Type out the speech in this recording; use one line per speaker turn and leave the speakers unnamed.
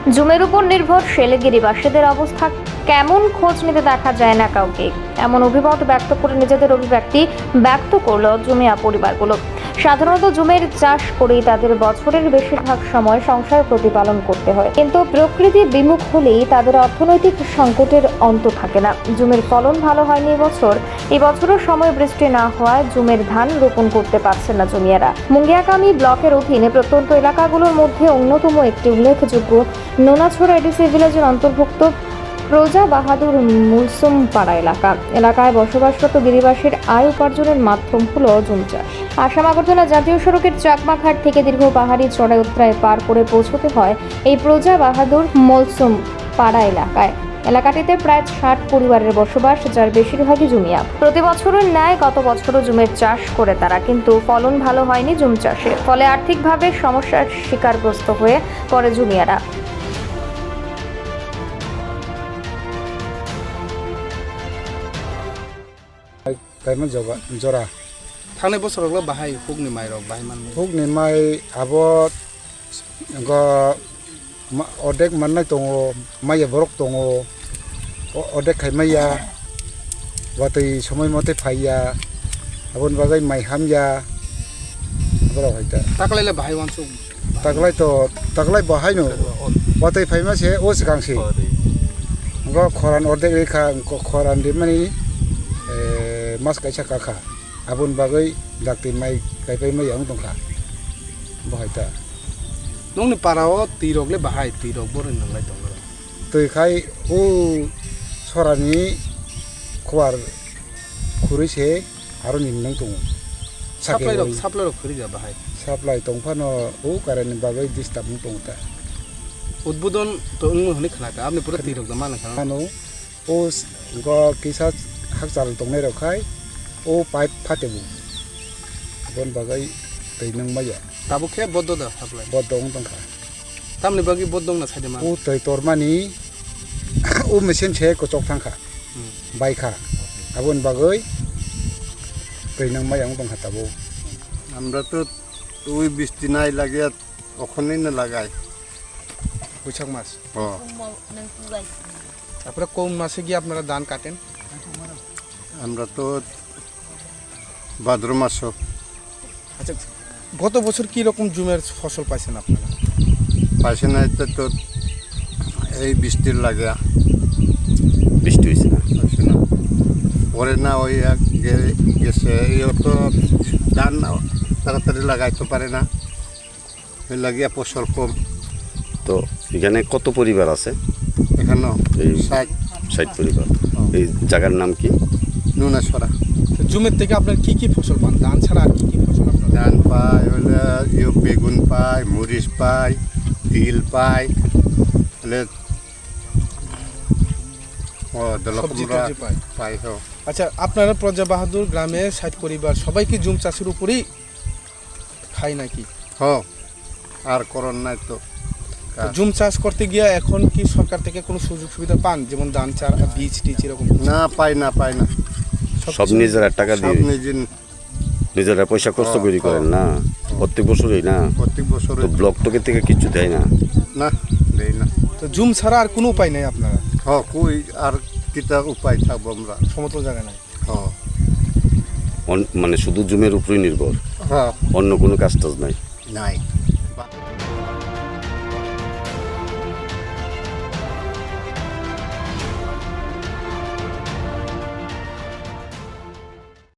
জুমের উপর নির্ভরশীল গিরিবাসীদের অবস্থা কেমন খোঁজ নিতে দেখা যায় না কাউকে, এমন অভিমত ব্যক্ত করে নিজেদের অভিব্যক্তি ব্যক্ত করলো জুমিয়া পরিবারগুলো। সাধারণত জুমের চাষ করেই তাদের বছরের বেশিরভাগ সময় সংসার প্রতিপালন করতে হয়, কিন্তু প্রকৃতি বিমুখ হলেই তাদের অর্থনৈতিক সংকটের অন্ত থাকে না। জুমের ফলন ভালো হয়নি এবছরও সময় বৃষ্টি না হওয়ায় জুমের ধান রোপণ করতে পারছেন না জমিয়ারা। মুঙ্গিয়াকামি ব্লকের অধীনে প্রত্যন্ত এলাকাগুলোর মধ্যে অন্যতম একটি উল্লেখযোগ্য নোনাছড়া এডিসি ভিলেজের অন্তর্ভুক্ত প্রজা বাহাদুর মুলসুম পাড়া এলাকায় বসবাসরত গিরিবাসীর আয় উপার্জনের মাধ্যম হলো জুম চাষ। আসাম আগরতলা জাতীয় সড়কের চাকমাঘাট থেকে দীর্ঘ পাহাড়ি চড়াই উত্তরায় পার করে পৌঁছতে হয় এই প্রজা বাহাদুর মুলসুম পাড়া এলাকাটিতে প্রায় 60 পরিবারের বসবাস, যার বেশিরভাগই জুমিয়া। প্রতি বছরের ন্যায় গত বছরও জুমের চাষ করে তারা, কিন্তু ফলন ভালো হয়নি জুম চাষে, ফলে আর্থিকভাবে সমস্যার শিকারগ্রস্ত হয়ে পড়ে জুমিয়ারা।
Kaiman jora
थांनाय बोसोरावल' बाहाय हुगनि माइरं बाहायमान
hukni mai abot go odek mannai tongo mai borok tongo odek khaimaya watui somoi mote phaiya abon bagai mai hamya aboro hoita
ताकलायले बाहाय वानसु
taklai bahai no watui phaima se o sikangsi go khoran odek rekha khoran dimani mas kaisa kakha abun bagai dakti mai kaipai mai yang tongkha bahaita
नोंनि पाराव तिरगले बाहाय तिरग बरन नंलाय दंगरा
tui khai o sorani khwar khuri se aro ninnang tongo
supply खरिगा बाहाय
supply tongphano o karani bagai disturb tongta
उद्बोधन तो उंग हनि खनाका आपने पूरा तिरग जमा नखा
ano o go kisa hakchal tongnai rokhai o pipe phatebu bon bagai teinang maya
Tabo खे बद्द दा साप्लाय
bodong tongkha
तामनि बागि बद्दंग ना साइडे मा
o tei tormani o machine che ko chok thangkha baikha abon bagai teinang maya tongkha tabo
আমরা তো ওই বৃষ্টি নাই লাগে ওখানেই না লাগাই
बैसाख मास
ও
তারপরে কোন মাসে গিয়ে আপনারা ধান কাটেন
আমরা তো ভাদ্র মাস
আচ্ছা গত বছর কি রকম জুমের ফসল পাইছেন আপনারা
পাশে নাই তো এই বৃষ্টির লাগে
বৃষ্টি হয়েছে না
পাশে না পরে না ওই এক গেছে এই তো ধান তাড়াতাড়ি লাগাইতে পারে না ওই লাগিয়া ফসল কম
তো এখানে কত পরিবার আছে
এখানে
এই
60
60 পরিবার এই জায়গার নাম কি
নুনা ছড়া
তো জুমের থেকে আপনারা কি কি ফসল পান ধান ছাড়া আর কি কি ফসল আপনারা
ধান পাই হলে বেগুন পাই মরিচ পাই তিল পাই হলে ও
সবজি
দলকুমড়া
টবজি পায়
পাই হো
আচ্ছা আপনারা প্রজা বাহাদুর গ্রামে 60 পরিবার সবাই কি জুম চাষের উপরেই খায় নাকি
হ আর করন নাই তো
তো জুম চাষ করতে গিয়ে এখন কি সরকার থেকে কোনো সুযোগ সুবিধা পান, যেমন ধান চারা বীজ টিজ এরকম
না পাই না
সব নিজেরা টাকা
সব
দিয়ে
নিজের
নিজেরা পয়সা খরচ করে করেন না প্রত্যেক বছরই না
প্রত্যেক বছর
তো ব্লক টকে থেকে কিছু দেয় না
না দেই না
তো জুম ছাড়া আর কোনো উপায় নেই আপনারা
হ কই আর কিতা উপায় থাকবো আমরা
সমতল জায়গা নাই
হ
মানে শুধু জুমের উপরেই নির্ভর
হ্যাঁ
অন্য কোনো কাজ টাজ নাই
নাই